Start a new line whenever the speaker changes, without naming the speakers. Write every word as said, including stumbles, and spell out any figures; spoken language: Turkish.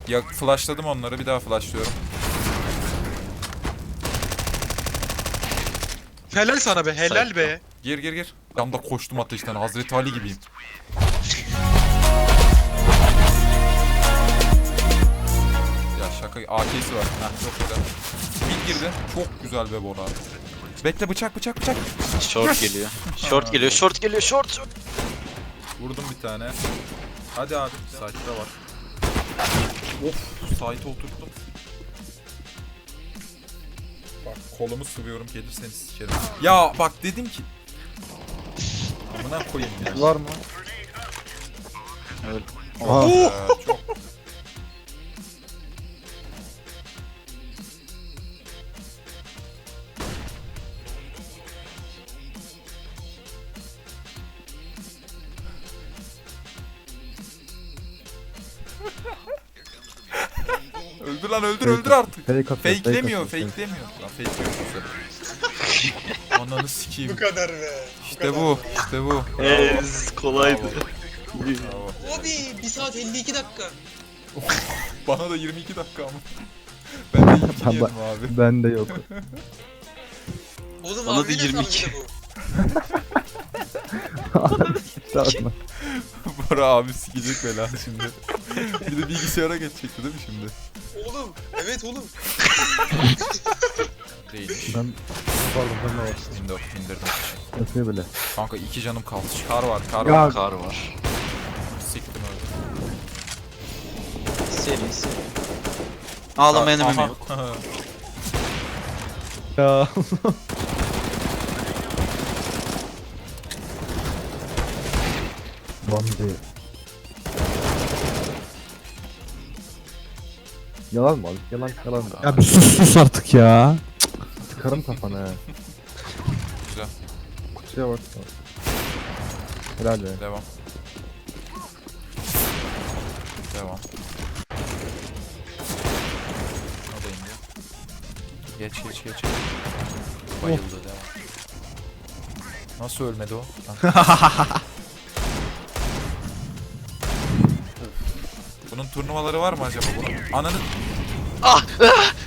Ya flashladım onları, bir daha flashlıyorum.
Helal sana be, helal be.
Gir gir gir. Tam da koştum ateşten, Hazreti Ali gibiyim. Ya şaka, A K'si var. Heh, çok güzel. Mid girdi. Çok güzel be Bora. Bekle, bıçak bıçak bıçak.
Short geliyor. Short geliyor, short geliyor, short. short.
Vurdum bir tane. Hadi abi. Site'da var. Of, site'e oturttum. Bak kolumu sıvıyorum, gelirseniz sikerim. Ya bak dedim ki. Amına koyayım ya.
Var mı?
Evet.
Aa.
Ee, çok. Öldür lan, öldür öldür artık.
Fake atıyor,
Fakelemiyor,
atıyor.
fakelemiyor. Lan fakeliyor. Ananı sikeyim.
Bu kadar be.
İşte bu, işte bu.
Ez kolaydı.
Bravo.
Abi bir saat elli iki dakika.
Bana da yirmi iki dakika ama. Ben de ilk
Ben-
yedim abi.
Bende yok.
Oğlum
Bana
abi
da
ne
yirmi iki.
sandıydı
Gitti atma.
Bora abi sikecek bela şimdi. Bir de bilgisayara geçecekti değil mi şimdi?
bu? Oğlum evet oğlum.
Değilmiş.
Ben pardon ben de var.
Windows indirdim.
Yapıyor bile.
Kanka iki canım kaldı. Kar var, kar
Ya.
var.
Kar var.
Siktim öyle.
Seri seri. Ağlama enemy
Aha.
yok.
Ya. Bambi. Yalan mı abi? Yalan yalan mı?
Ya bir sus sus artık ya.
Çıkarım kafana he.
Güzel.
Şey var. Helal be.
Devam. Devam. O da indi. Geç geç geç. Bayıldı, devam. Nasıl ölmedi o? Ha. Bunun turnuvaları var mı acaba bunun? Ananı...
Ah!